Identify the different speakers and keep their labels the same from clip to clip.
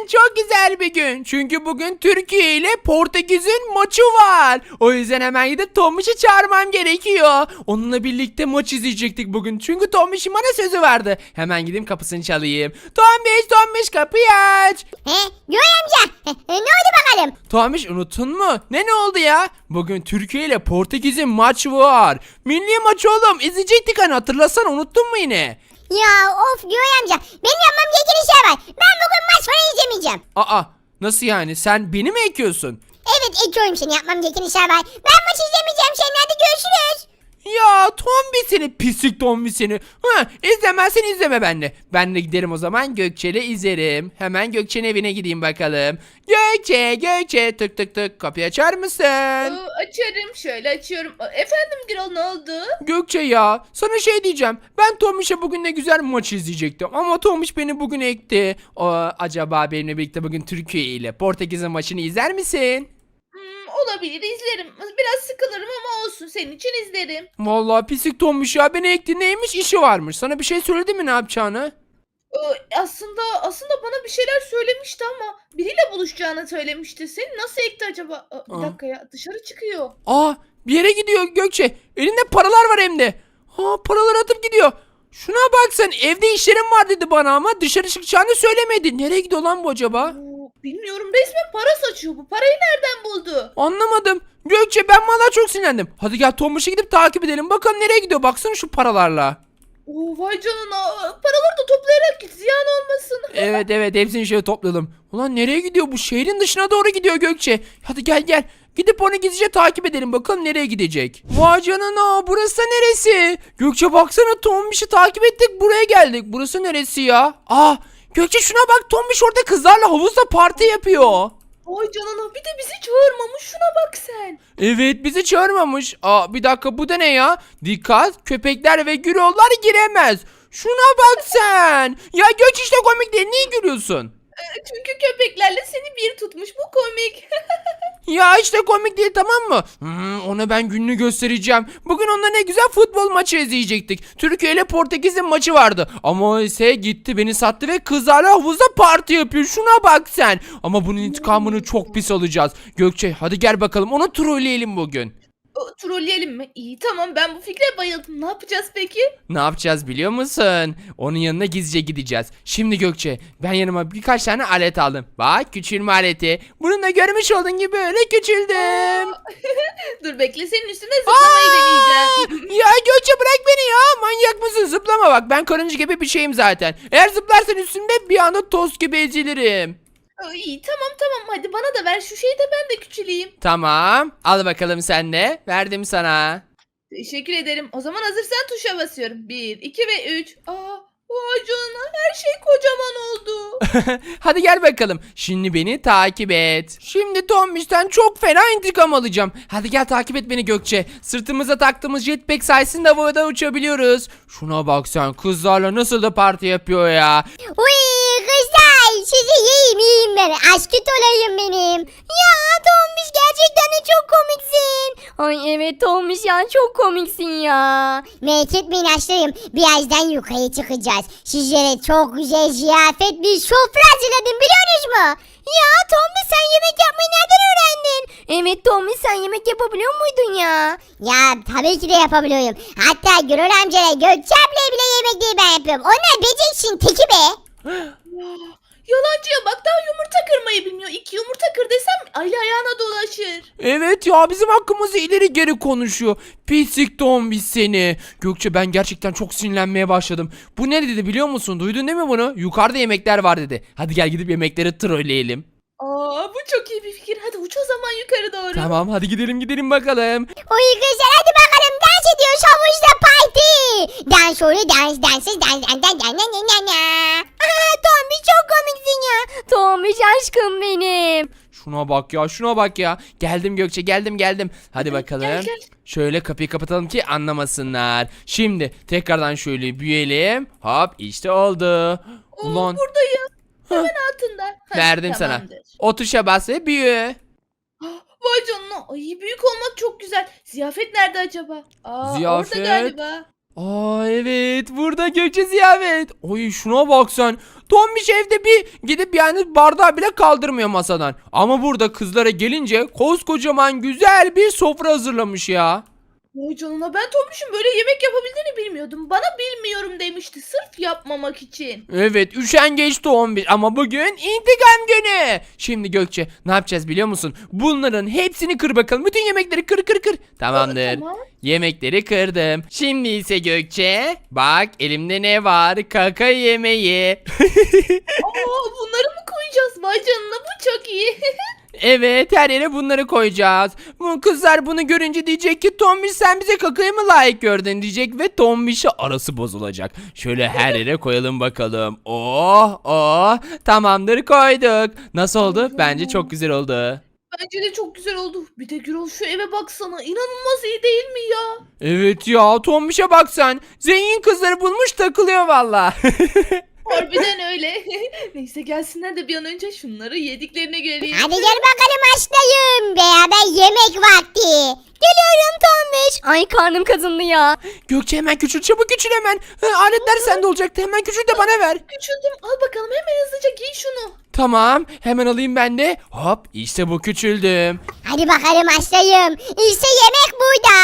Speaker 1: bugün çok güzel bir gün. Çünkü bugün Türkiye ile Portekiz'in maçı var. O yüzden hemen gidip Tombiş'i çağırmam gerekiyor. Onunla birlikte maç izleyecektik bugün. Çünkü Tombiş'in bana sözü vardı. Hemen gideyim kapısını çalayım. Tombiş kapıyı aç.
Speaker 2: Göğe amca. Ne oldu bakalım?
Speaker 1: Tombiş unuttun mu? Ne oldu ya? Bugün Türkiye ile Portekiz'in maçı var. Milli maç oğlum. İzleyecektik hani, hatırlasana, unuttun mu yine?
Speaker 2: Ya of Göğe amca. Benim yapmam gereken işler var. Ben bugün maç falan izlemeyeceğim.
Speaker 1: Aa, nasıl yani? Sen beni mi ekiyorsun?
Speaker 2: Evet ekiyorum seni, yapmam gereken işler var. Ben maç izlemeyeceğim seninle, hadi görüşürüz.
Speaker 1: Ya Tombi seni, pislik Tombi seni. İzlemezsen izleme benimle. Ben de giderim o zaman, Gökçe'yle izlerim. Hemen Gökçe'nin evine gideyim bakalım. Gökçe tık tık tık, kapıyı açar mısın?
Speaker 3: Açarım, şöyle açıyorum. Efendim Gürol, ne oldu?
Speaker 1: Gökçe ya, sana şey diyeceğim. Ben Tombiş'e bugün ne güzel maç izleyecektim. Ama Tombiş beni bugün ekti. Acaba benimle birlikte bugün Türkiye ile Portekiz'in maçını izler misin?
Speaker 3: Olabilir, izlerim. Biraz sıkılırım ama olsun, senin için izlerim.
Speaker 1: Vallahi pislik Tombiş ya, beni ekti, neymiş, işi varmış. Sana bir şey söyledi mi ne yapacağını?
Speaker 3: Aslında bana bir şeyler söylemişti ama biriyle buluşacağını söylemişti. Seni nasıl ekti acaba? Bir dakika ya, dışarı çıkıyor.
Speaker 1: Bir yere gidiyor Gökçe. Elinde paralar var hem de. Paraları atıp gidiyor. Şuna bak sen, evde işlerim var dedi bana ama dışarı çıkacağını söylemedi. Nereye gidiyor lan bu acaba?
Speaker 3: Bilmiyorum, resmen para saçıyor bu. Parayı nereden buldu?
Speaker 1: Anlamadım. Gökçe, ben vallahi çok sinirlendim. Hadi gel Tombiş'e gidip takip edelim. Bakalım nereye gidiyor. Baksana şu paralarla.
Speaker 3: Vay canına. Paraları da toplayarak git, ziyan olmasın.
Speaker 1: Evet, hepsini şöyle toplayalım. Ulan nereye gidiyor bu? Şehrin dışına doğru gidiyor Gökçe. Hadi gel. Gidip onu gizlice takip edelim. Bakalım nereye gidecek. Vay canına, burası neresi? Gökçe baksana, Tombiş'i takip ettik, buraya geldik. Burası neresi ya? Gökçe şuna bak, Tombiş orada kızlarla havuzda parti yapıyor.
Speaker 3: Vay canına, bir de bizi çağırmamış, şuna bak sen.
Speaker 1: Evet, bizi çağırmamış. Bir dakika, bu da ne ya? Dikkat, köpekler ve gürollar giremez. Şuna bak sen. Ya Gökçe, işte komik değil, niye gülüyorsun?
Speaker 3: Çünkü köpeklerle seni bir tutmuş, bu komik.
Speaker 1: Ya işte komik değil, tamam mı? Ona ben gününü göstereceğim. Bugün onunla ne güzel futbol maçı izleyecektik. Türkiye ile Portekiz'in maçı vardı. Ama o ise gitti, beni sattı ve kızlarla havuzda parti yapıyor. Şuna bak sen. Ama bunun intikamını çok pis alacağız. Gökçe hadi gel bakalım, onu trolleyelim bugün.
Speaker 3: Trolleyelim mi? İyi, tamam, ben bu fikre bayıldım. Ne yapacağız peki?
Speaker 1: Ne yapacağız biliyor musun? Onun yanına gizlice gideceğiz. Şimdi Gökçe, ben yanıma birkaç tane alet aldım. Bak, küçülme aleti. Bununla görmüş olduğun gibi böyle küçüldüm.
Speaker 3: Dur bekle, senin üstüne zıplamayı deneyeceğim.
Speaker 1: Ya Gökçe, bırak beni ya. Manyak mısın? Zıplama bak. Ben karınca gibi bir şeyim zaten. Eğer zıplarsan üstümde bir anda toz gibi ezilirim.
Speaker 3: İyi, tamam, hadi bana da ver şu şeyi de ben de küçüleyim.
Speaker 1: Tamam. Al bakalım sen de. Verdim sana.
Speaker 3: Teşekkür ederim. O zaman hazırsan tuşa basıyorum. 1, 2 ve 3. Vay canına, her şey kocaman oldu.
Speaker 1: Hadi gel bakalım. Şimdi beni takip et. Şimdi Tombiş'ten çok fena intikam alacağım. Hadi gel, takip et beni Gökçe. Sırtımıza taktığımız jetpack sayesinde havada uçabiliyoruz. Şuna bak sen, kızlarla nasıl da parti yapıyor ya.
Speaker 2: Uy kızlar, sizi yiyeyim ben. Aşkı olayım benim. Ya Tombiş, gerçekten de çok komiksin. Ay evet Tombiş ya, çok komiksin ya. Merak etmeyin aşklarım, birazdan yukarı çıkacağız. Sizlere çok güzel ziyafet bir sofra hazırladım, biliyorsunuz mu? Ya Tombiş, sen yemek yapmayı nereden öğrendin? Evet Tombiş, sen yemek yapabiliyor muydun ya? Ya tabii ki de yapabiliyorum. Hatta Gürol amcayla Gökçe ablaya bile yemekleri ben yapıyorum. Onlar beceksin teki be.
Speaker 3: Yalancıya bak, daha yumurta kırmayı bilmiyor. 2 yumurta kır desem aile ayağına dolaşır.
Speaker 1: Evet ya, bizim hakkımızda ileri geri konuşuyor. Pislik Tombiş seni. Gökçe, ben gerçekten çok sinirlenmeye başladım. Bu ne dedi biliyor musun? Duydun değil mi bunu? Yukarıda yemekler var dedi. Hadi gel gidip yemekleri trolleyelim.
Speaker 3: Bu çok iyi bir fikir. Hadi uç o zaman yukarı doğru.
Speaker 1: Tamam, hadi gidelim bakalım.
Speaker 2: Uy kızlar, hadi bakalım, dans ediyoruz havuzda parti. Dans oluyor, dans. Tombiş çok komiksin ya. Tombiş aşkım benim.
Speaker 1: Şuna bak ya. Geldim Gökçe, geldim. Hadi bakalım.
Speaker 3: Gel.
Speaker 1: Şöyle kapıyı kapatalım ki anlamasınlar. Şimdi tekrardan şöyle büyüyelim. Hop, işte oldu. Ulan
Speaker 3: Buradayım. Hemen altında.
Speaker 1: verdim sana.
Speaker 3: Tamamdır.
Speaker 1: O tuşa bas ve büyü.
Speaker 3: Vay canına. Ay, büyük olmak çok güzel. Ziyafet nerede acaba?
Speaker 1: Ziyafet?
Speaker 3: Orada galiba.
Speaker 1: Aa evet, burada Gökçe ziyafet. Oy şuna bak sen. Tombiş evde bir gidip yani bardağı bile kaldırmıyor masadan. Ama burada kızlara gelince koskocaman güzel bir sofra hazırlamış ya.
Speaker 3: Vay canına, ben Tombiş'in böyle yemek yapabildiğini bilmiyordum. Bana bilmiyorum demişti sırf yapmamak için.
Speaker 1: Evet, üşengeç Tombiş ama bugün intikam günü. Şimdi Gökçe ne yapacağız biliyor musun? Bunların hepsini kır bakalım. Bütün yemekleri kır kır kır. Tamamdır.
Speaker 3: Tamam.
Speaker 1: Yemekleri kırdım. Şimdi ise Gökçe bak elimde ne var? Kaka yemeği.
Speaker 3: Aa, bunları mı koyacağız? Vay canına, bu çok iyi.
Speaker 1: Evet, her yere bunları koyacağız. Bu kızlar bunu görünce diyecek ki Tombiş sen bize kakayı mı layık gördün diyecek ve Tombiş'e arası bozulacak. Şöyle her yere koyalım bakalım. Oh oh, tamamdır, koyduk. Nasıl oldu? Bence çok güzel oldu.
Speaker 3: Bence de çok güzel oldu. Bir de Gürol şu eve baksana. İnanılmaz iyi değil mi ya?
Speaker 1: Evet ya, Tombiş'e bak sen. Zengin kızları bulmuş takılıyor valla.
Speaker 3: Harbiden öyle. Neyse, gelsinler de bir an önce şunları yediklerini göreyim.
Speaker 2: Hadi gel bakalım başlayın. Beraber yemek vakti. Geliyorum Tombiş. Ay karnım kazındı ya.
Speaker 1: Gökçe hemen küçül, çabuk küçül hemen. Aletler sende olacaktı, hemen küçül de bana ver.
Speaker 3: Küçüldüm. Al bakalım, hemen hızlıca giy şunu.
Speaker 1: Tamam, hemen alayım ben de. Hop, işte bu, küçüldüm.
Speaker 2: Hadi bakalım başlayayım. İşte yemek burada.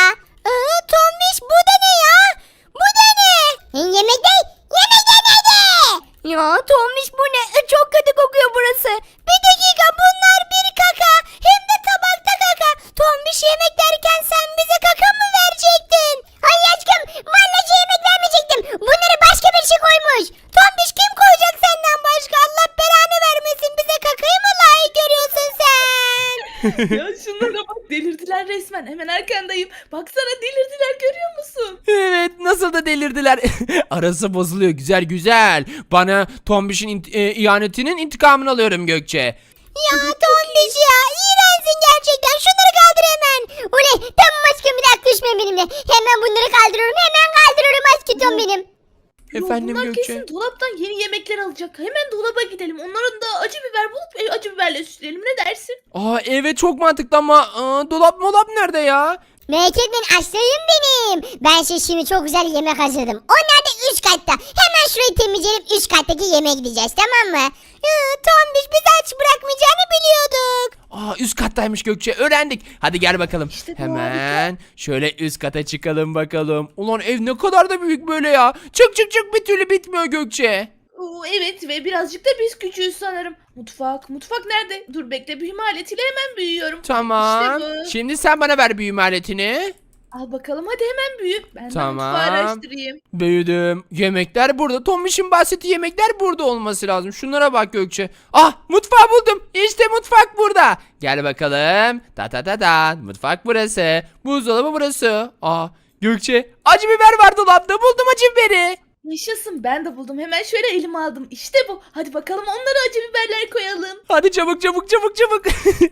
Speaker 2: Tombiş bu da ne ya? Bu da ne? Yemek değil. Yemek neydi? Ya Tombiş bu ne? Çok kötü kokuyor burası. Bir dakika, bunlar bir kaka. Hem de tabakta kaka. Tombiş yemek derken sen bize kaka mı verecektin? Ay aşkım, vallahi yemek vermeyecektim. Bunları başka bir şey koymuş. Tombiş kim koyacak senden başka? Allah belanı vermesin. Bize kakayı mı layık görüyorsun sen?
Speaker 3: Ya şunlara bak, delirdiler resmen. Hemen arkandayım. Baksana, delirdiler, görüyor musun?
Speaker 1: Evet, nasıl da delirdiler. Arası bozuluyor, güzel güzel. Bana Tombiş'in ihanetinin intikamını alıyorum Gökçe.
Speaker 2: Ya Tombiş ya, iğrençsin gerçekten. Şunları kaldır hemen. Oley, tamam aşkım, bir dakika düşme benimle. Hemen bunları kaldırıyorum, hemen kaldırıyorum aşkım benim.
Speaker 3: Yo,
Speaker 1: Efendim
Speaker 3: bunlar
Speaker 1: Gökçe?
Speaker 3: kesin dolaptan yeni yemekler alacak. Hemen dolaba gidelim. Onların da acı biber bulup acı biberle süsleyelim. Ne dersin?
Speaker 1: Aa evet, çok mantıklı ama dolap molap nerede ya?
Speaker 2: Merak etmeyin aşkım benim. Ben size şimdi çok güzel yemek hazırladım. Onlar da üst katta. Hemen şurayı temizleyelim, üst kattaki yemeğe gideceğiz, tamam mı? Tombiş bizi aç bırakmayacağını biliyorduk.
Speaker 1: Aa, üst kattaymış Gökçe, öğrendik. Hadi gel bakalım.
Speaker 3: İşte bu
Speaker 1: Hemen şöyle üst kata çıkalım bakalım. Ulan ev ne kadar da büyük böyle ya. Çık çık çık, bir türlü bitmiyor Gökçe.
Speaker 3: Oo, evet, ve birazcık da biz küçüğüz sanırım. Mutfak nerede? Dur bekle, büyüme aletiyle hemen büyüyorum.
Speaker 1: Tamam.
Speaker 3: İşte bu.
Speaker 1: Şimdi sen bana ver büyüme aletini.
Speaker 3: Al bakalım, hadi hemen büyü. Ben de
Speaker 1: Tamam.
Speaker 3: mutfağı araştırayım.
Speaker 1: Büyüdüm. Yemekler burada. Tombiş'in bahsettiği yemekler burada olması lazım. Şunlara bak Gökçe. Ah, mutfağı buldum. İşte mutfak burada. Gel bakalım. Ta ta ta ta. Mutfak burası. Buzdolabı burası. Ah, Gökçe, acı biber var dolapta. Buldum acı biberi.
Speaker 3: Yaşasın, ben de buldum. Hemen şöyle elime aldım. İşte bu. Hadi bakalım, onlara acı biberler koyalım.
Speaker 1: Hadi çabuk çabuk çabuk çabuk.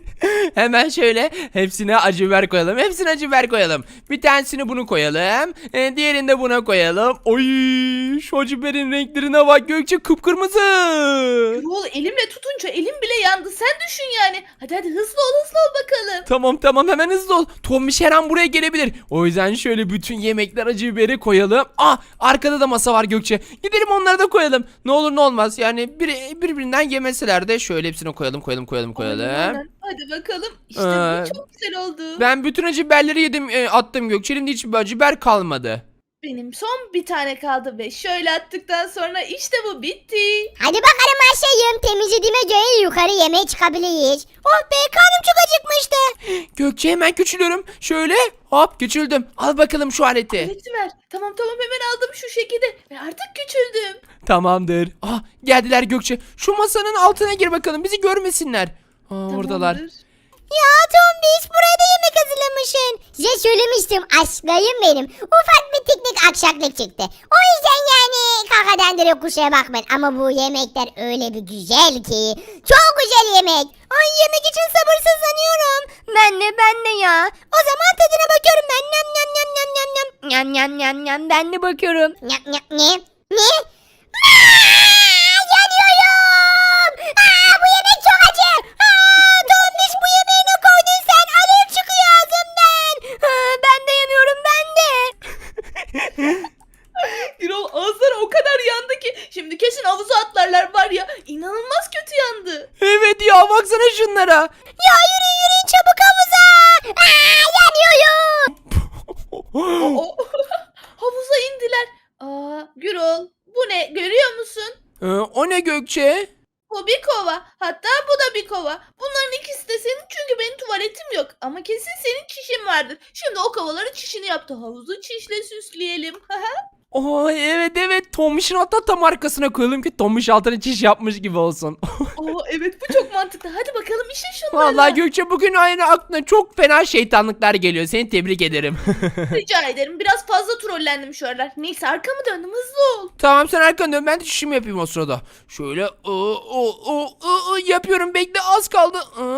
Speaker 1: Hemen şöyle hepsine acı biber koyalım. Hepsine acı biber koyalım. Bir tanesini bunu koyalım. Diğerini de buna koyalım. Oy, şu acı biberin renklerine bak Gökçe, kıpkırmızı.
Speaker 3: Yol, elimle tutunca elim bile yandı. Sen düşün yani. Hadi hızlı ol bakalım.
Speaker 1: Tamam tamam, hemen hızlı ol. Tombiş her an buraya gelebilir. O yüzden şöyle bütün yemekler acı biberi koyalım. Ah, arkada da masa var Gökçe. Gidelim onları da koyalım. Ne olur ne olmaz. Yani birbirinden yemeseler de şöyle hepsini koyalım.
Speaker 3: Aynen. Hadi bakalım. İşte bu çok güzel oldu.
Speaker 1: Ben bütün acı biberleri yedim, attım Gökçe. Elimde hiçbir acı biber kalmadı.
Speaker 3: Benim son bir tane kaldı ve şöyle attıktan sonra işte bu bitti.
Speaker 2: Hadi bakalım aşkım, temizlediğime göre yukarı yemeğe çıkabiliriz. Oh be, karnım çok acıkmıştı.
Speaker 1: Gökçe, hemen küçülüyorum. Şöyle hop, küçüldüm. Al bakalım şu aleti.
Speaker 3: Aleti ver. Tamam hemen aldım şu şekilde ve artık küçüldüm.
Speaker 1: Tamamdır. Ah, geldiler Gökçe. Şu masanın altına gir bakalım, bizi görmesinler. Oradalar.
Speaker 3: Tamamdır.
Speaker 2: Ya Tombiş, buraya da yemek hazırlamışsın. Size söylemiştim aşkım benim. Ufak bir teknik aksaklık çıktı. O yüzden yani kakadan direkt kusura bakmayın. Ama bu yemekler öyle bir güzel ki. Çok güzel yemek. Ay, yemek için sabırsızlanıyorum. Ben de ya. O zaman tadına bakıyorum ben. Nyam nyam nyam nyam nyam nyam. Nyam nyam nyam nyam, ben de bakıyorum. Nyam nyam ne? Ne? Yanıyorum. Bu yemek çok acı. Tombiş, bu yemeği ne koydun sen? Alev çıkıyor ağzımdan. Ben de yanıyorum, ben de.
Speaker 1: Evet ya, baksana şunlara.
Speaker 2: Ya yürüyün çabuk havuza. Yanıyorum.
Speaker 3: O havuza indiler. Gürol, bu ne? Görüyor musun?
Speaker 1: O ne Gökçe?
Speaker 3: Bu bir kova. Hatta bu da bir kova. Bunların ikisi de senin çünkü benim tuvaletim yok. Ama kesin senin çişin vardır. Şimdi o kovaları çişini yaptı. Havuzu çişle süsleyelim.
Speaker 1: Oo, evet, Tombiş'in hatta tam arkasına koyalım ki Tombiş altına çiş yapmış gibi olsun.
Speaker 3: Evet, bu çok mantıklı. Hadi bakalım işe şunları.
Speaker 1: Vallahi Gökçe, bugün aynı aklına çok fena şeytanlıklar geliyor. Seni tebrik ederim.
Speaker 3: Rica ederim. Biraz fazla trollendim şu aralar. Neyse, arkamı döndüm. Hızlı ol.
Speaker 1: Tamam, sen arkanı dön, ben de çişimi yapayım o sırada. Şöyle yapıyorum, bekle, az kaldı.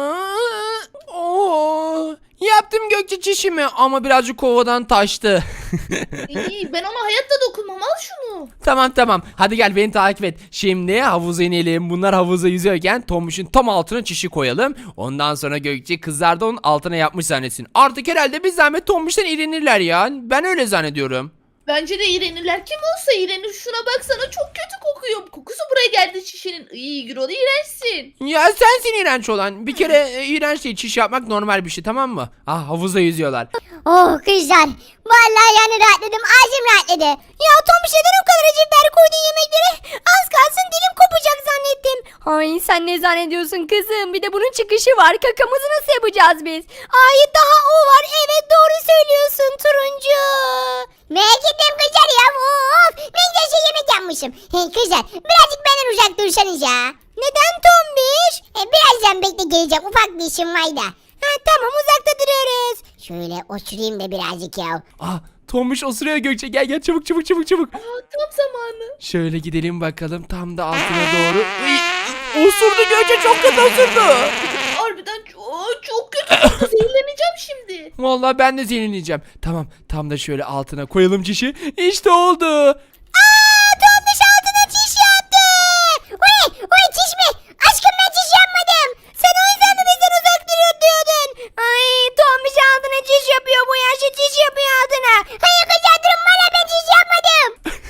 Speaker 1: Yaptım Gökçe çişimi ama birazcık kovadan taştı.
Speaker 3: İyi, ben ona hayatta dokunmam. Al şunu.
Speaker 1: Tamam, hadi gel beni takip et. Şimdi havuza inelim. Bunlar havuza yüzüyorken Tombiş'in tam altına çişi koyalım. Ondan sonra Gökçe kızlar da onun altına yapmış zannetsin. Artık herhalde bir zahmet Tombiş'ten iğrenirler ya. Ben öyle zannediyorum.
Speaker 3: Bence de iğrenirler. Kim olsa iğrenir. Şuna baksana, çok kötü kokuyor. Kokusu buraya geldi çişinin. İyi Gürol, iğrençsin.
Speaker 1: Ya sensin iğrenç olan. Bir kere iğrenç değil, çiş yapmak normal bir şey, tamam mı? Havuzda yüzüyorlar.
Speaker 2: Oh kızlar. Vallahi yani rahatladım. Ağzım rahatladı. Ya Tomuş neden o kadar acı biber koydun yemeklere? Az kalsın dilim kopacak zannettim.
Speaker 4: Ay sen ne zannediyorsun kızım? Bir de bunun çıkışı var. Kakamızı nasıl yapacağız biz? Ay daha o var. Evet doğru söylüyorsun turuncu.
Speaker 2: Merak ettim kızlar ya. Of. Ne güzel şey yemek yapmışım. Hey kızlar birazcık benden uzak dursanız ya. Neden Tombiş? Birazdan bekle geleceğim. Ufak bir işim var da. Tamam uzakta duruyoruz. Şöyle oturayım da birazcık ya.
Speaker 1: Tombiş osuruyor Gökçe. Gel çabuk.
Speaker 3: Tam zamanı.
Speaker 1: Şöyle gidelim bakalım, tam da altına doğru. Osurdu Gökçe, çok kötü osurdu.
Speaker 3: Harbiden çok kötü koktu. Zehirleneceğim şimdi.
Speaker 1: Vallahi ben de zehirleneceğim. Tamam, tam da şöyle altına koyalım çişi. İşte oldu.
Speaker 2: Tombiş altına çiş yaptı. Oy çiş mi? Aşkım ben çiş yapmadım. Sen o yüzden mi bizden uzak duruyor diyordun? Ay Tombiş altına çiş yapıyor. Bu yaşta çiş yapıyor altına. Hayır kızlar durun bana ben çiş yapmadım.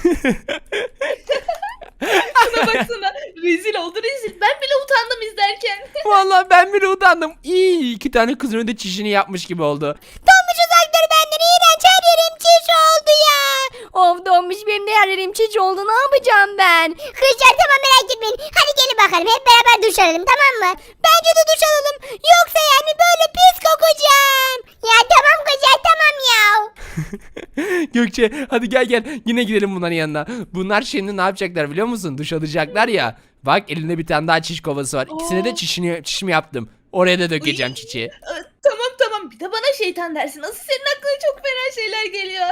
Speaker 3: Şuna baksana. Rezil oldu rezil. Ben bile utandım izlerken.
Speaker 1: Vallahi ben bile utandım. İyi, 2 tane kızın önünde çişini yapmış gibi oldu.
Speaker 2: Tombiş uzak dur benden. İğrenç her yerim çiş oldu ya.
Speaker 4: Of donmuş benim de yerlerim çiç oldu. Ne yapacağım ben?
Speaker 2: Kızlar tamam merak etmeyin. Hadi gelin bakalım hep beraber duş alalım tamam mı? Bence de duş alalım. Yoksa yani böyle pis kokacağım. Ya tamam kızlar tamam ya.
Speaker 1: Gökçe hadi gel. Yine gidelim bunların yanına. Bunlar şimdi ne yapacaklar biliyor musun? Duş alacaklar ya. Bak, elinde bir tane daha çiş kovası var. İkisine de çişimi yaptım. Oraya da dökeceğim çiçeği.
Speaker 3: Tamam. Bir de bana şeytan dersin. Asıl senin aklına çok fena şeyler geliyor.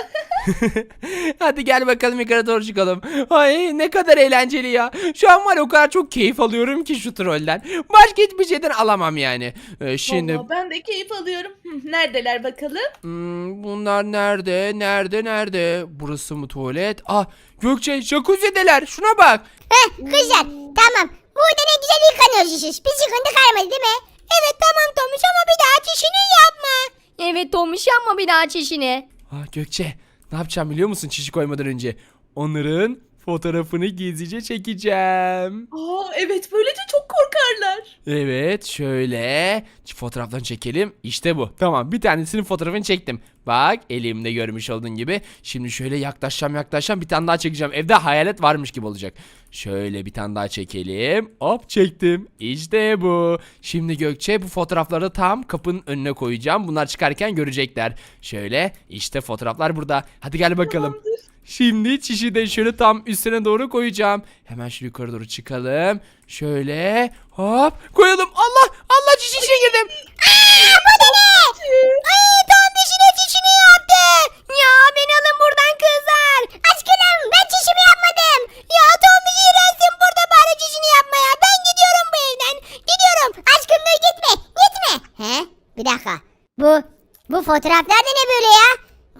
Speaker 1: Hadi gel bakalım, yukarı doğru çıkalım. Ay ne kadar eğlenceli ya. Şu an var ya, o kadar çok keyif alıyorum ki şu trolden. Başka hiçbir şeyden alamam yani. Şimdi
Speaker 3: Vallahi ben de keyif alıyorum. Neredeler bakalım?
Speaker 1: bunlar nerede? Burası mı tuvalet? Gökçe jacuzzi'deler. Şuna bak.
Speaker 2: Kızlar tamam. Burada ne güzel yıkanıyoruz siz. Bir sıkıntı kalmadı değil mi? Evet tamam Tomuş ama bir daha çişini yapma.
Speaker 4: Evet donmuş yapma bir daha çişini.
Speaker 1: Gökçe ne yapacağım biliyor musun çişi koymadan önce? Onların fotoğrafını gizlice çekeceğim.
Speaker 3: Evet, böylece çok korkarlar.
Speaker 1: Evet, şöyle fotoğraflarını çekelim. İşte bu. Tamam, bir tanesinin fotoğrafını çektim. Bak, elimde görmüş olduğun gibi. Şimdi şöyle yaklaşacağım, bir tane daha çekeceğim. Evde hayalet varmış gibi olacak. Şöyle bir tane daha çekelim. Hop, çektim. İşte bu. Şimdi Gökçe bu fotoğrafları tam kapının önüne koyacağım. Bunlar çıkarken görecekler. Şöyle işte fotoğraflar burada. Hadi gel bakalım.
Speaker 3: Tamamdır.
Speaker 1: Şimdi çişi de şöyle tam üstüne doğru koyacağım. Hemen şu yukarı doğru çıkalım. Şöyle hop koyalım. Allah çişin içine girdim.
Speaker 2: Bu da ne? Ay Tomuş yine çişini yaptı. Ya beni alın buradan kızlar. Aşkım ben çişimi yapmadım. Ya Tomuş iğrençsin burada bari çişini yapma ya. Ben gidiyorum bu evden. Gidiyorum. Aşkım dur gitme. Bir dakika. Bu fotoğraflar da ne böyle ya?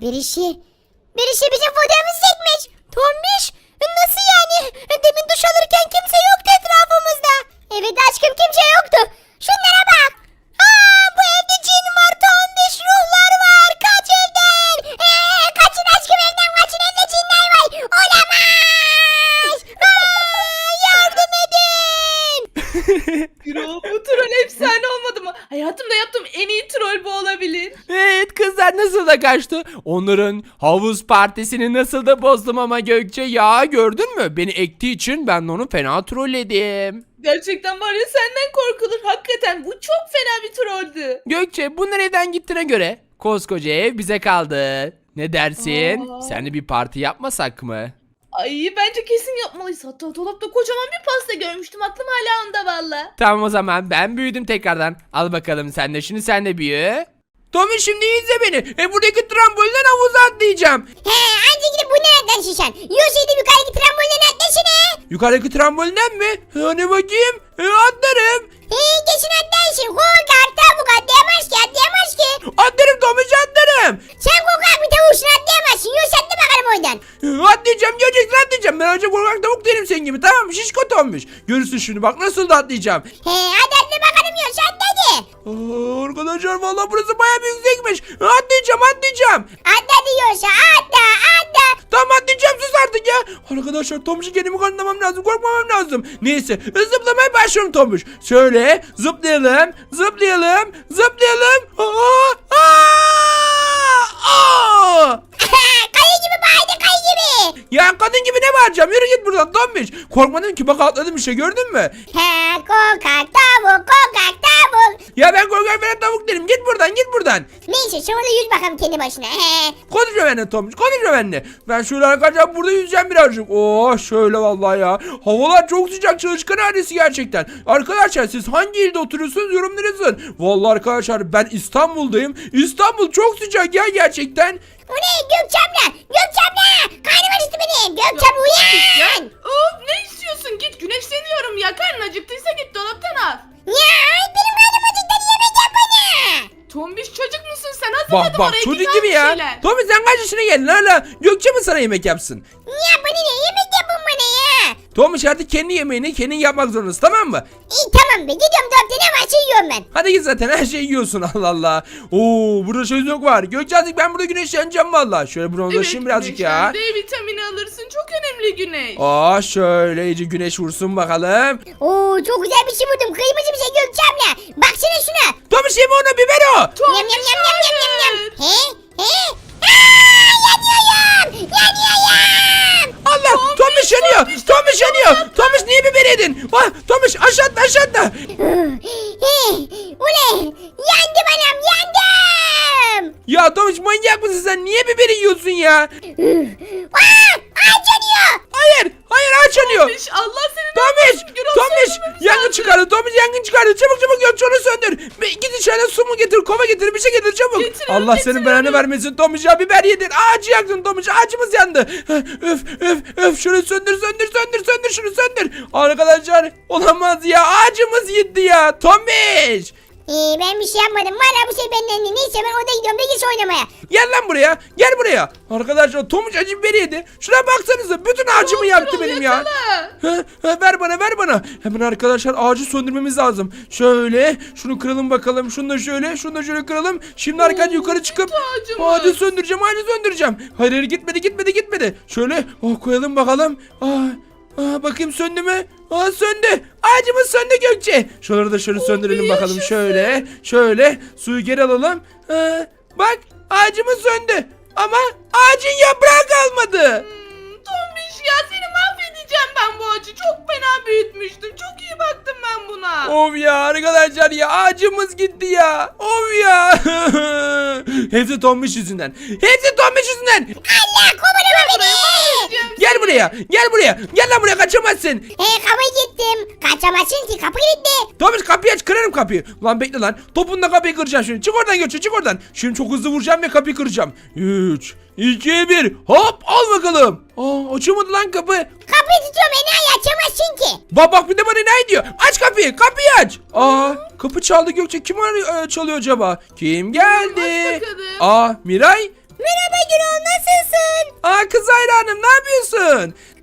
Speaker 2: Birisi bizim fotoğrafımızı çekmiş. Tombiş nasıl yani? Demin duş alırken kimse yoktu etrafımızda. Evet aşkım kimse yoktu. Şunlara bak. Bu evde cin var Tombiş, ruhlar var. Kaç evden. Kaçın aşkım evden kaçın, evde cinler var. Olamaz. Yardım edin.
Speaker 3: Ya bu troll efsane olmadı mı? Hayatımda yaptığım en iyi troll bu olabilir.
Speaker 1: Evet kızlar nasıl da kaçtı? Onların havuz partisini nasıl da bozdum ama Gökçe ya gördün mü? Beni ektiği için ben de onu fena trolledim.
Speaker 3: Gerçekten var ya senden korkulur. Hakikaten bu çok fena bir trolldü.
Speaker 1: Gökçe bunlar evden gittiğine göre koskoca ev bize kaldı. Ne dersin?
Speaker 3: Aa.
Speaker 1: Seninle bir parti yapmasak mı?
Speaker 3: Ay bence kesin yapmalıyız. Hatta dolapta kocaman bir pasta görmüştüm. Aklım hala onda valla.
Speaker 1: Tamam o zaman ben büyüdüm tekrardan. Al bakalım sen de şimdi sen de büyü. Tommy şimdi izle beni. Buradaki trambolden havuza atlayacağım.
Speaker 2: He anca gidip bu nereden şişen? Yosaydı yukarıdaki trambolden atlasana.
Speaker 1: Yukarıdaki trambolinden mi? Hani bakayım. Atlarım.
Speaker 2: He geçin atlarsın. Korkak tavuk atlayamaz ki atlayamaz ki.
Speaker 1: Atlarım Tommy atlarım.
Speaker 2: Sen korkak bir tavuksun atlayamazsın. Yos atla bakalım oradan.
Speaker 1: Atlayacağım göreceksin atlayacağım. Ben önce korkak tavuk değilim senin gibi tamam mı? Şişko Tommy. Görürsün şimdi bak nasıl da atlayacağım.
Speaker 2: He hadi atla bakalım Yos atla hadi.
Speaker 1: Arkadaşlar vallahi burası bayağı bir yüksekmiş. Atlayacağım.
Speaker 2: Atla diyorsa atla atla.
Speaker 1: Tamam atlayacağım sus artık ya. Arkadaşlar Tomuş'u kendimi kanıtlamam lazım. Korkmamam lazım. Neyse zıplamaya başlıyorum Tomuş. Şöyle zıplayalım.
Speaker 2: Kayı gibi bağırdı kayı gibi.
Speaker 1: Ya kadın gibi ne bağıracağım? Yürü git buradan Tomuş. Korkmadım ki bak atladım işte gördün mü?
Speaker 2: He korkak tavuk korkak tavuk.
Speaker 1: Ya ben korkak falan tavuk değilim. Git buradan.
Speaker 2: Neyse sonra yüz bakalım kendi başına. He.
Speaker 1: Konuşma benimle Tomuş konuşma benimle. Ben şöyle arkadaşlar burada yüzeceğim birazcık. Oh şöyle vallahi ya. Havalar çok sıcak çalışkan ailesi gerçekten. Arkadaşlar siz hangi ilde oturuyorsunuz yorumlara yazın. Vallahi arkadaşlar ben İstanbul'dayım. İstanbul çok sıcak ya gerçekten.
Speaker 2: O ne Gökçem'le? Gökçem'le. Karnım acıktı benim. Gökçem uyan.
Speaker 3: Of ne istiyorsun? Git güneşleniyorum ya. Karnın acıktıysa git dolaptan al.
Speaker 2: Ya benim karnım acıktı yemek yap bana.
Speaker 3: Tombiş çocuk musun sen? Hazırladım
Speaker 1: Bak
Speaker 3: oraya.
Speaker 1: çocuk
Speaker 3: git al
Speaker 1: gibi
Speaker 3: bir
Speaker 1: ya.
Speaker 3: şeyler.
Speaker 1: Tommy sen kaç yaşına geldin hala? Gökçe mi sana yemek yapsın?
Speaker 2: Ya bana ne yemek yapın bana ya.
Speaker 1: Tommy artık kendi yemeğini kendin yapmak zorundasın tamam mı?
Speaker 2: İyi tamam be gidiyorum dolapta ne varsa yiyorum ben.
Speaker 1: Hadi git zaten her şeyi yiyorsun Allah Allah. Oo burada çocuk var. Gökçe artık ben burada güneşleneceğim valla. Şöyle bronzlaşayım birazcık ya.
Speaker 3: D vitamini alırsın. Çok önemli güneş.
Speaker 1: Aa şöyle iyice güneş vursun bakalım.
Speaker 2: Oo çok güzel bir şey buldum. Kırmızı bir şey Gökçem'le. Baksana şuna.
Speaker 1: Tommy yeme onu biber o.
Speaker 2: Yam yam yam yam yam yam yam. He? He? Aa, yanıyorum. Yanıyorum.
Speaker 1: Allah Tommy yanıyor. Tommy yanıyor. Tommy niye biber yedin? Ah Tommy aşağıda.
Speaker 2: Bu ne? Yandım anam yandım.
Speaker 1: Ya Tommy manyak mısın sen? Niye biberi yiyorsun ya?
Speaker 2: Aa, ağaç yanıyor.
Speaker 1: Hayır ağaç yanıyor.
Speaker 3: Tombiş Allah seni
Speaker 1: Tomiş yangın çıkardı Tomiş yangın çıkardı çabuk Gökçe onu söndür. Git içeriden su mu getir kova getir bir şey getir çabuk.
Speaker 3: Getiriyorum,
Speaker 1: Allah senin belanı
Speaker 3: getiriyorum.
Speaker 1: vermesin Tomiş ya biber yedin ağacı yaktın Tomiş ağacımız yandı. Öf şunu söndür şunu söndür. Arkadaşlar olamaz ya ağacımız gitti ya Tomiş.
Speaker 2: Ben bir şey yapmadım. Valla bu şey benden. Neyse ben orada gidiyorum. Bilgis oynamaya.
Speaker 1: Gel buraya. Arkadaşlar Tomuç acı biberi yedi. Şuna baksanıza bütün ağacımı yaktı benim ya. Ver bana. Hemen arkadaşlar ağacı söndürmemiz lazım. Şöyle şunu kıralım bakalım. Şunu da şöyle kıralım. Şimdi arkadaşlar yukarı çıkıp
Speaker 3: ağacımız.
Speaker 1: ağacı söndüreceğim. Hayır gitmedi. Şöyle koyalım bakalım. Bakayım söndü mü? Söndü. Ağacımız söndü Gökçe. Şuraları da şöyle söndürelim bakalım.
Speaker 3: yaşasın.
Speaker 1: Şöyle. Suyu geri alalım. Bak ağacımız söndü. Ama ağacın yaprağı kalmadı.
Speaker 3: Tombiş ya seni mahvedeceğim ben bu ağacı. Çok fena büyütmüştüm. Çok iyi baktım ben buna.
Speaker 1: Of ya arkadaşlar ya ağacımız gitti ya. Of ya. Hepsi Tombiş yüzünden.
Speaker 2: Allah kovalama beni.
Speaker 1: Gel buraya. Gel lan buraya kaçamazsın.
Speaker 2: Kapı gittim. Kaçamazsın ki kapı gitti.
Speaker 1: Tombiş kapıyı aç kırarım kapıyı. Lan bekle lan. Topunla kapıyı kıracağım şimdi. Çık oradan Gökçe çık oradan. Şimdi çok hızlı vuracağım ve kapıyı kıracağım. 3, 2, 1. Hop al bakalım. Açılmadı lan kapı.
Speaker 2: Kapıyı tutuyorum enayi açamazsın ki.
Speaker 1: Bak bir de bana ne diyor? Aç kapıyı aç. Kapı çaldı Gökçe. Kim çalıyor acaba? Kim geldi?
Speaker 3: Aç bakalım.
Speaker 1: Miray.
Speaker 2: Merhaba Gürol nasılsın?
Speaker 1: Kız Hayri Hanım ne yapıyorsun?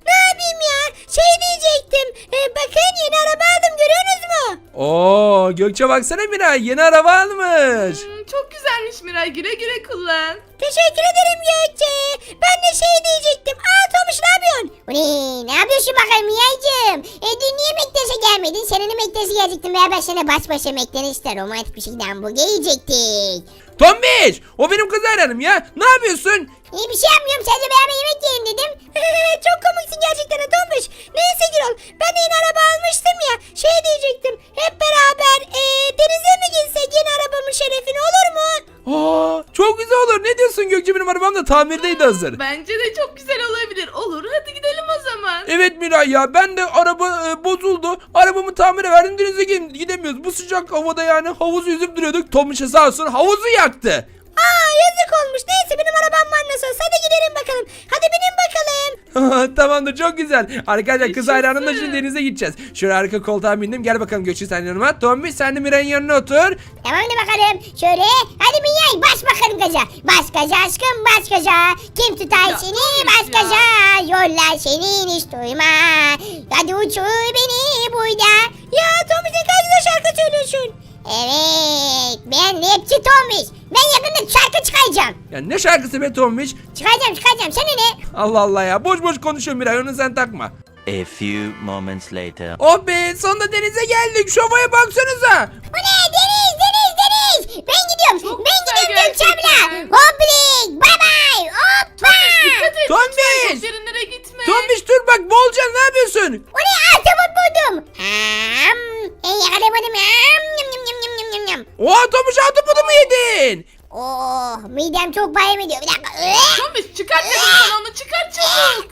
Speaker 2: Ne yapayım ya? Şey diyecektim. Bakın yeni araba aldım, görüyorsunuz mu?
Speaker 1: Oo Gökçe baksana Miray yeni araba almış.
Speaker 3: Çok güzelmiş Miray. Güle güle kullan.
Speaker 2: Teşekkür ederim Gökçe. Ben de şey diyecektim. Tomuş ne yapıyorsun? Ne yapıyorsun bakalım Miyacığım? Dün niye Mektaş'a gelmedin? Seninle Mektaş'a gelecektim veya ben sana baş başa Mektaş'ta romantik bir şekilde hamburger yiyecektik.
Speaker 1: Tombiş o benim kız hayranım ya. Ne yapıyorsun?
Speaker 2: Bir şey yapmıyorum, sadece beraber yemek yiyelim dedim. Çok komiksin gerçekten Tombiş. Neyse Gürol, ben de yeni araba almıştım ya. Şey diyecektim, hep beraber denize mi gitsek yeni arabamın şerefine, olur mu?
Speaker 1: Aa, çok güzel olur. Ne diyorsun Gökçe, benim arabam da tamirdeydi hazır.
Speaker 3: Bence de çok güzel olabilir. Olur, hadi gidelim o zaman.
Speaker 1: Evet Miray ya, ben de araba bozuldu. Arabamı tamire verdim, denize gidemiyoruz. Bu sıcak havada yani havuz yüzüp duruyorduk. Tomiş'e sağ olsun havuzu yaktı.
Speaker 2: Yazık olmuş. Neyse benim arabam var nasıl olsa. Hadi gidelim bakalım. Hadi binin bakalım.
Speaker 1: Tamamdır, çok güzel. Arkadaşlar kız
Speaker 3: Yaşasın.
Speaker 1: hayranımla şimdi denize gideceğiz. Şöyle arka koltuğa bindim. Gel bakalım Gökçe sen yanıma. Tomiş sen de Miray'ın yanına otur.
Speaker 2: Tamam da bakalım. Şöyle. Hadi Minyay baş bakalım gaza. Baş gaza aşkım, baş gaza. Kim tutar
Speaker 3: Ya,
Speaker 2: seni
Speaker 3: Tomiş
Speaker 2: baş
Speaker 3: ya.
Speaker 2: gaza. Yollar senin hiç duyma. Hadi uçur beni burada. Ya Tomiş ne kadar güzel şarkı söylüyorsun. Evet. Ben rapçi Tomiş. Ben yakında şarkı çıkaracağım.
Speaker 1: Ya ne şarkısı be Tomiş?
Speaker 2: Çıkaracağım. Sana ne?
Speaker 1: Allah Allah ya, boş boş konuşuyor Miray, onu sen takma.
Speaker 5: A few moments later.
Speaker 1: Oh be, sonunda denize geldik. Şu havaya baksanıza.
Speaker 2: Bu ne? Deniz. Ben gidiyorum.
Speaker 3: Çok
Speaker 2: ben
Speaker 3: güzel
Speaker 2: gidiyorum Gökçe abla.
Speaker 3: gerçekten.
Speaker 2: Hoplik. Bye bye. Hoppa.
Speaker 3: Dikkat et.
Speaker 1: Tombiş!
Speaker 3: lütfen, çok derinlere gitme.
Speaker 1: Tomiş dur bak, boğulacaksın, ne yapıyorsun?
Speaker 2: O ne? Ahtapot buldum. Yakalamadım. Yum.
Speaker 1: Oha Tomiş, autopodu mu yedin?
Speaker 2: Oh, midem çok bayım ediyor. Bir dakika.
Speaker 3: Tombiş çıkart dedim sana onu, çıkart çabuk.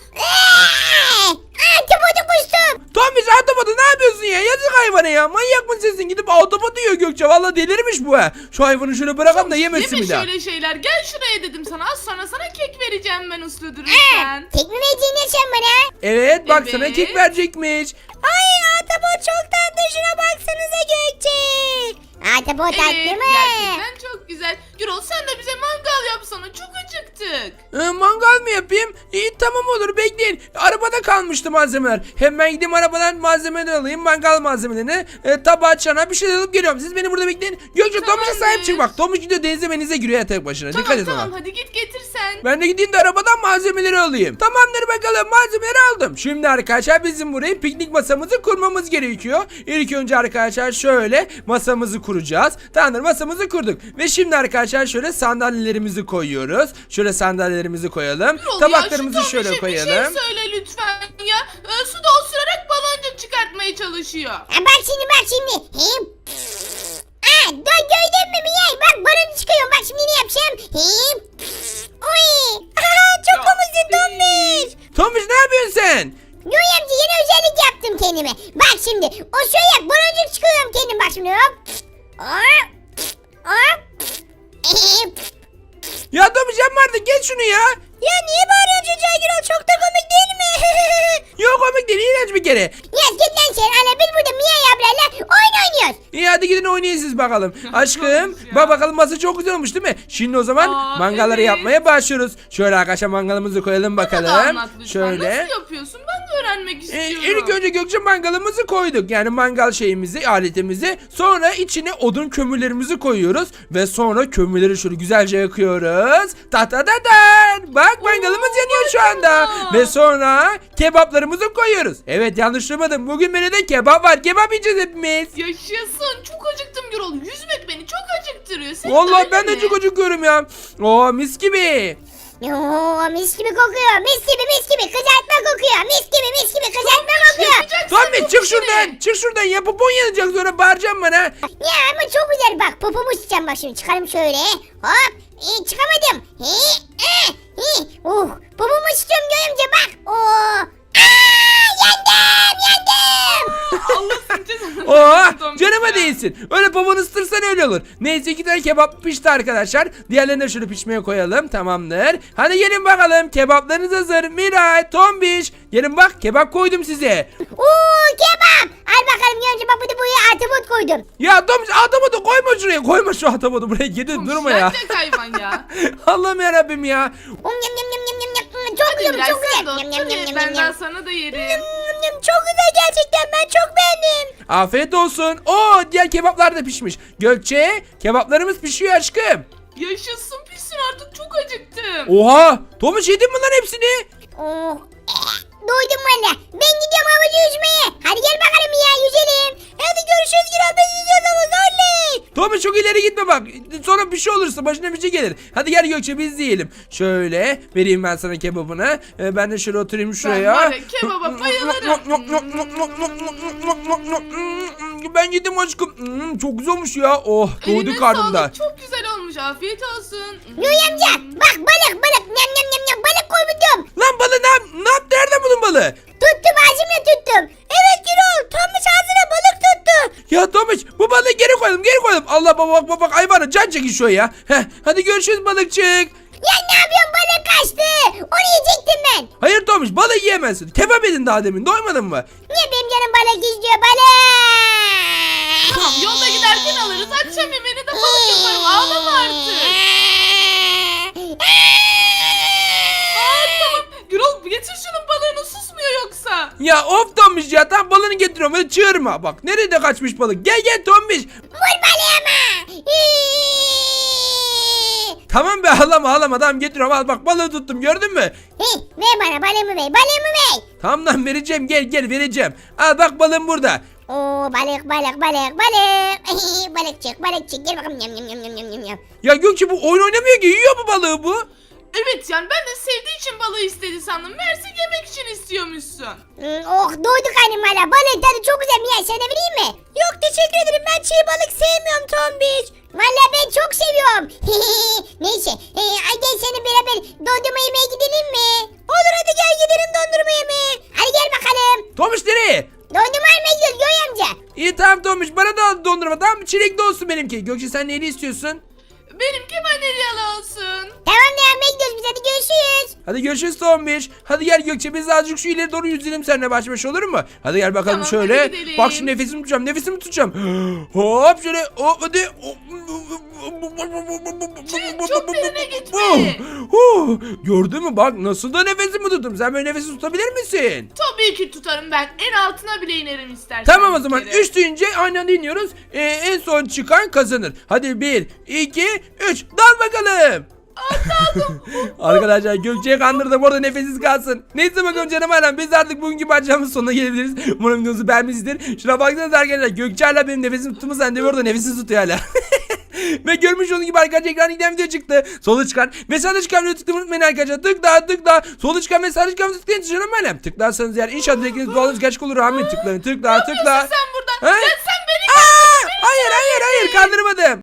Speaker 2: Ahtapotu kustum.
Speaker 1: Tomiş autopodu ne yapıyorsun ya? Yazık hayvana ya. Manyak mısın sen? Gidip autopodu yiyor Gökçe. Valla delirmiş bu ha. Şu hayvanı şöyle bırakalım da yemesin
Speaker 3: Yeme
Speaker 1: bir daha.
Speaker 3: şöyle şeyler. Gel şuraya dedim sana. Az sonra sana kek vereceğim ben uslu dururken.
Speaker 2: Tek mi vereceksin sen bana?
Speaker 1: Evet bak sana
Speaker 3: Evet.
Speaker 1: kek verecekmiş.
Speaker 2: Ay ahtapot çok tatlı. Şuna baksanıza Gökçe. Ahtapot
Speaker 3: Evet
Speaker 2: tatlı mı?
Speaker 3: gerçekten çok güzel. Gürol sen de bize mangal yapsana. Çok acıktık.
Speaker 1: Mangal mı yapayım? İyi tamam olur, bekleyin. Arabada kalmıştı malzemeler. Hemen gideyim arabadan malzemeleri alayım. Mangal malzemelerini. Tabağa çana bir şey alıp geliyorum. Siz beni burada bekleyin. Gökçe Tomiş'e
Speaker 3: Tamamdır.
Speaker 1: sahip çık bak. Tomiş gidiyor denize menize giriyor ya tek başına. Dikkat
Speaker 3: Tamam
Speaker 1: et ona.
Speaker 3: hadi git getir sen.
Speaker 1: Ben de gideyim de arabadan malzemeleri alayım. Tamamdır bakalım, malzemeleri aldım. Şimdi arkadaşlar bizim buraya piknik masamızı kurmamız gerekiyor. İlk önce arkadaşlar şöyle masamızı kuracağız. Tamamdır, masamızı kurduk. Ve şimdi arkadaşlar şöyle sandalyelerimizi koyuyoruz. Şöyle sandalyelerimizi koyalım.
Speaker 3: Gürol
Speaker 1: Tabaklarımızı
Speaker 3: ya, şu
Speaker 1: şöyle
Speaker 3: Tombiş'e
Speaker 1: koyalım.
Speaker 3: Bir şey söyle lütfen ya. Suda osurarak baloncuk çıkartmaya çalışıyor.
Speaker 2: Bak şimdi. Dur gördün mü Miyay? Bak bana çıkıyorum. Bak şimdi ne yapacağım? Oy. Çok komiksin Tombiş.
Speaker 1: Tomiş ne yapıyorsun sen?
Speaker 2: Yoy amca yeni özellik yaptım kendime. Bak şimdi o şöyle baloncuk çıkıyorum kendim, bak şimdi hop.
Speaker 1: Ya Tomiş yapma artık, geç şunu ya.
Speaker 2: Ya niye bağırıyorsun çocuğa Gürol? Çok da komik değil mi?
Speaker 1: Yok komik değil, iğrenç bir kere.
Speaker 2: Ya git lan sen. Ana biz burada Miyay ablayla oyun oynuyoruz.
Speaker 1: İyi hadi gidin oynayın siz bakalım. Aşkım
Speaker 3: Olmuş ya.
Speaker 1: bak bakalım, masa çok güzel olmuş değil mi? Şimdi o zaman mangalları
Speaker 3: evet.
Speaker 1: yapmaya başlıyoruz. Şöyle arkadaşlar mangalımızı koyalım
Speaker 3: Bana da
Speaker 1: bakalım.
Speaker 3: anlat lütfen.
Speaker 1: Şöyle.
Speaker 3: Nasıl yapıyorsun? Ben de öğrenmek istiyorum.
Speaker 1: İlk önce Gökçe mangalımızı koyduk. Yani mangal şeyimizi, aletimizi. Sonra içine odun kömürlerimizi koyuyoruz. Ve sonra kömürleri şöyle güzelce yakıyoruz. Ta ta ta ta. Bak mangalımız yanıyor şu anda.
Speaker 3: maşallah.
Speaker 1: Ve sonra kebaplarımızı koyuyoruz. Evet yanlış duymadım. Bugün menüde kebap var. Kebap yiyeceğiz hepimiz.
Speaker 3: Yaşasın. Çok acıktım Gürol. Yüzmek beni çok acıktırıyor. Senin
Speaker 1: Vallahi
Speaker 3: öyle
Speaker 1: ben de
Speaker 3: mi?
Speaker 1: çok acıkıyorum ya. Oo mis gibi.
Speaker 2: Oo, mis gibi kokuyor. Mis gibi kızartma kokuyor. Mis gibi kızartma kokuyor.
Speaker 3: Yapacaksın
Speaker 1: Tommy
Speaker 3: bu
Speaker 1: çık
Speaker 3: işini.
Speaker 1: şuradan. Çık şuradan ya, popon yanacak sonra bağıracaksın bana.
Speaker 2: Ya ama çok güzel bak. Popomu sıçacağım bak şimdi. Çıkarım şöyle. Hop. Çıkamadım. Popomu sıçıyorum görünce bak. Yandım.
Speaker 3: Allah seni cezanı
Speaker 1: Oo
Speaker 3: versin Tombiş
Speaker 1: canıma
Speaker 3: ya.
Speaker 1: değilsin. Öyle poponu ısıtırsan öyle olur. Neyse 2 tane kebap pişti arkadaşlar. Diğerlerini de şöyle pişmeye koyalım. Tamamdır. Hadi gelin bakalım. Kebaplarınız hazır. Miray, Tombiş. Gelin bak, kebap koydum size.
Speaker 2: Kebap. Al bakalım önce bak bu da buraya ahtapot koydum.
Speaker 1: Ya Tombiş ahtapotu koyma şuraya. Koyma şu ahtapotu buraya. Gidin
Speaker 3: Tombiş,
Speaker 1: durma ya.
Speaker 3: gerçek hayvan ya.
Speaker 1: Allah'ım yarabbim ya.
Speaker 2: çok
Speaker 3: Hadi
Speaker 2: güzel
Speaker 3: Miray
Speaker 2: çok
Speaker 3: sen
Speaker 2: güzel.
Speaker 3: de otur.
Speaker 2: Yum, yum, yum,
Speaker 3: Ye,
Speaker 2: yum,
Speaker 3: ben
Speaker 2: yum.
Speaker 3: daha sana da yerim.
Speaker 4: Çok güzel gerçekten, ben çok beğendim.
Speaker 1: Afiyet olsun. Oo, diğer kebaplar da pişmiş. Gökçe, kebaplarımız pişiyor aşkım.
Speaker 3: Yaşasın pişsin artık çok acıktım.
Speaker 1: Oha, Tomuş yedin mi lan hepsini?
Speaker 2: Oh. Doydum valla. Ben gidiyorum havucu yüzmeye. Hadi gel bakalım ya yüzelim.
Speaker 4: Hadi görüşürüz Gürol, biz yüzeceğiz havuzda, oley.
Speaker 1: Tomuş çok ileri gitme bak. Sonra bir şey olursa başına bir şey gelir. Hadi gel Gökçe biz yiyelim. Şöyle vereyim ben sana kebabını. Ben de şöyle oturayım şuraya.
Speaker 3: var ya, kebaba bayılırım.
Speaker 1: Ben yedim aşkım. Çok güzel olmuş ya. Oh, doyduk
Speaker 3: Eline
Speaker 1: karnımda.
Speaker 3: sağlık, çok güzel olmuş, afiyet olsun.
Speaker 2: Yoy amca bak balık balık. Nyam nyam nyam nyam balık koydum.
Speaker 1: Lan balığı ne yaptı? Nereden buldun balığı?
Speaker 2: Tuttum ağzımla tuttum.
Speaker 4: Evet Gürol, Tomuş ağzına balık tuttu.
Speaker 1: Ya Tomuş bu balığı geri koyalım Allah bak hayvanı can çekişiyor ya. Heh, hadi görüşürüz balıkçık.
Speaker 2: Ya ne yapıyorsun balık kaçtı. Onu yiyecektim ben.
Speaker 1: Hayır Tomuş balığı yiyemezsin. Kebap yedin daha demin doymadın mı?
Speaker 2: Niye benim canım balık istiyor balık?
Speaker 3: Tamam, yolda giderken alırız, akşam yemeğini de balık yaparım, ağlama artık. Tamam, Gürol getir şunun balığını, susmuyor yoksa.
Speaker 1: Ya of Tomuş ya tam balığını getiriyorum hadi çığırma. Bak nerede kaçmış balık gel Tomuş.
Speaker 2: Vur balığı ama.
Speaker 1: Tamam be ağlama tamam getiriyorum al bak balığı tuttum gördün mü?
Speaker 2: Ver bana balığımı ver balığımı ver.
Speaker 1: Tamam lan vereceğim gel vereceğim. Al bak balığım burada.
Speaker 2: Oo balık. Balıkçık gel bakalım yam yam yam yam yam yam.
Speaker 1: Ya Gökçe bu oyun oynamıyor ki yiyor bu balığı bu.
Speaker 3: Evet, yani ben de sevdiği için balığı istedi sandım. Meğerse yemek için istiyormuşsun.
Speaker 2: Oh doyduk annem valla balığın tadı çok güzel Mia sana vereyim mi?
Speaker 4: Yok teşekkür ederim, ben çiğ balık sevmiyorum Tombiş.
Speaker 2: Valla ben çok seviyorum. Neyse ay gel seni beraber dondurma yemeye gidelim mi?
Speaker 4: Olur, hadi gel gidelim dondurma yemeye.
Speaker 2: Hadi gel bakalım.
Speaker 1: Tomuş nereye?
Speaker 2: Dondurma almaya gidiyoruz Göğe amca.
Speaker 1: İyi tamam Tomuş bana da al dondurma tamam mı? Çilekli olsun benimki. Gökçe sen neyini istiyorsun?
Speaker 3: Benimki vanilyalı olsun.
Speaker 2: Tamam ne almaya gidiyoruz biz hadi görüşürüz.
Speaker 1: Hadi görüşürüz Tombiş. Hadi gel Gökçe biz azıcık şu ileri doğru yüzelim seninle baş başa olur mu? Hadi gel bakalım
Speaker 3: Tamam,
Speaker 1: şöyle.
Speaker 3: hadi gidelim.
Speaker 1: Bak şimdi nefesimi tutacağım. Hop şöyle hop hadi.
Speaker 3: Çok derine gitme.
Speaker 1: Gördün mü bak nasıl da nefesimi tuttum. Sen böyle nefesi tutabilir misin?
Speaker 3: Tabii ki tutarım ben. En altına bile inerim istersen.
Speaker 1: Tamam o
Speaker 3: bir
Speaker 1: zaman
Speaker 3: kere.
Speaker 1: 3 deyince aynı anda iniyoruz. En son çıkan kazanır. Hadi 1, 2, 3 dal bakalım. Arkadaşlar Gökçe'yi kandırdım orada nefessiz kalsın. Neyse bakalım canım ailem biz artık bugünkü parçamızın sonuna gelebiliriz. Umarım videomuzu beğenmişsinizdir. Şuna baksanız arkadaşlar Gökçe hala benim nefesimi tuttuğumu zannediyor orada nefessiz tutuyor hala. Ve görmüş olduğunuz gibi arkadaşlar ekrana giden video çıktı. Sola çıkan ve sağda çıkan videoyu tıklamayı unutmayın arkadaşlar. Tıkla. Sola çıkan ve sağda çıkan videoyu tıklayın canım ailem. Tıklarsanız eğer inşallah dilekleriniz dualarınız gerçek olur. Amin tıklayın tıkla.
Speaker 3: Sen burada.
Speaker 1: Ha?
Speaker 3: Ya sen beni
Speaker 1: Hayır kandırmadım.